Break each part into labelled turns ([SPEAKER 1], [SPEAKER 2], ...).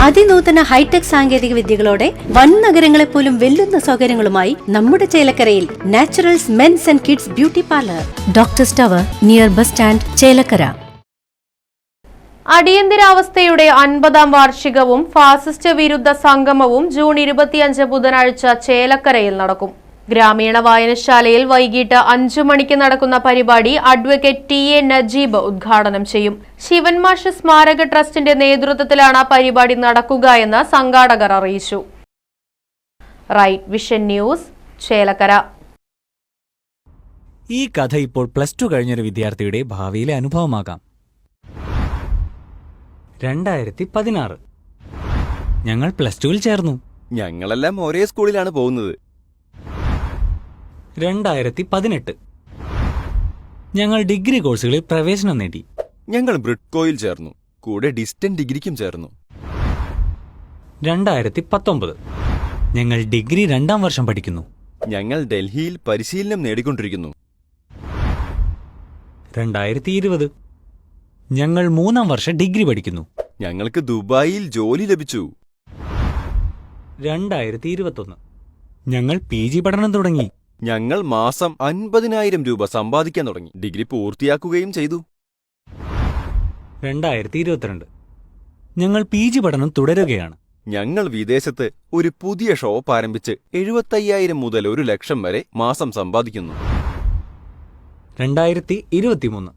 [SPEAKER 1] അതിനൂതന hi tech സാങ്കേതിക വിദ്യകളോടെ വൻ നഗരങ്ങളെ പോലും വെല്ലുന്ന സൗകര്യങ്ങളുമായി നമ്മുടെ ചേലക്കരയിൽ naturals men's and kids beauty parlour, doctors tower, near bus stand, Chelakkara.
[SPEAKER 2] അടിയന്തരാവസ്ഥയുടെ 50-ാം വാർഷികവും ഫാസിസ്റ്റ് വിരുദ്ധ സംഗമവും ജൂൺ 25 ബുധനാഴ്ച ചേലക്കരയിൽ നടക്കും. ഗ്രാമീണ വായനശാലയിൽ വൈകിട്ട് 5 മണിക്ക് നടക്കുന്ന പരിപാടി അഡ്വക്കേറ്റ് ടി.എ. നജീബ് ഉദ്ഘാടനം ചെയ്യും. ശിവൻമാഷ് സ്മാരക ട്രസ്റ്റിന്റെ നേതൃത്വത്തിലാണ് പരിപാടി നടക്കുക എന്ന് സംഘാടകർ അറിയിച്ചു. Right vision news, Chelakkara.
[SPEAKER 3] ഈ കഥ ഇപ്പോൾ +2 കഴിഞ്ഞൊരു വിദ്യാർത്ഥിയുടെ ഭാവിയിലെ അനുഭവമാകാം. 2016 ഞങ്ങൾ +2-ൽ ചേർന്നു.
[SPEAKER 4] ഞങ്ങളെല്ലാം ഒരേ സ്കൂളിലാണ് പോകുന്നത്.
[SPEAKER 3] 2018 ഞങ്ങൾ ഡിഗ്രി കോഴ്സുകളിൽ പ്രവേശനം നേടി.
[SPEAKER 4] ഞങ്ങൾ ബ്രിഡ്കോയിൽ ചേർന്നു, കൂടെ ഡിസ്റ്റന്റ് ഡിഗ്രിക്കും ചേർന്നു.
[SPEAKER 3] 2019 ഞങ്ങൾ ഡിഗ്രി 2ാം വർഷം പഠിക്കുന്നു.
[SPEAKER 4] ഞങ്ങൾ ഡൽഹിയിൽ പരിശീലനം നേടിക്കൊണ്ടിരിക്കുന്നു.
[SPEAKER 3] 2020 ഞങ്ങൾ 3ാം വർഷം ഡിഗ്രി പഠിക്കുന്നു.
[SPEAKER 4] ഞങ്ങൾക്ക് ദുബായിൽ ജോലി ലഭിച്ചു.
[SPEAKER 3] 2021 ഞങ്ങൾ PG പഠനം തുടങ്ങി.
[SPEAKER 4] ഞങ്ങൾ മാസം 50,000 രൂപ സമ്പാദിക്കാൻ തുടങ്ങി. ഡിഗ്രി പൂർത്തിയാക്കുകയും ചെയ്തു.
[SPEAKER 3] 2022 ഞങ്ങൾ PG പഠനം തുടരുകയാണ്.
[SPEAKER 4] ഞങ്ങൾ വിദേശത്ത് ഒരു പുതിയ ഷോപ്പ് ആരംഭിച്ച് 75,000 മുതൽ 1 ലക്ഷം വരെ മാസം സമ്പാദിക്കുന്നു.
[SPEAKER 3] 2023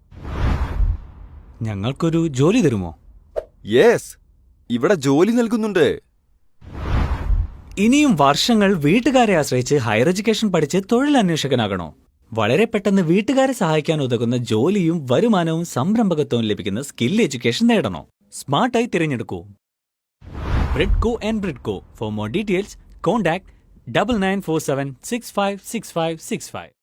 [SPEAKER 3] ഞങ്ങൾക്കൊരു ജോലി തരുമോ?
[SPEAKER 4] യെസ്, ഇവിടെ ജോലി നൽകുന്നുണ്ട്.
[SPEAKER 3] ഇനിയും വർഷങ്ങൾ വീട്ടുകാരെ ആശ്രയിച്ച് ഹയർ എഡ്യൂക്കേഷൻ പഠിച്ച് തൊഴിലന്വേഷകനാകണോ? വളരെ പെട്ടെന്ന് വീട്ടുകാരെ സഹായിക്കാൻ ഉതകുന്ന ജോലിയും വരുമാനവും സംരംഭകത്വവും ലഭിക്കുന്ന സ്കിൽ എഡ്യൂക്കേഷൻ നേടണോ? സ്മാർട്ടായി തിരഞ്ഞെടുക്കൂ Bridco and Bridco. For more details contact 9947656565.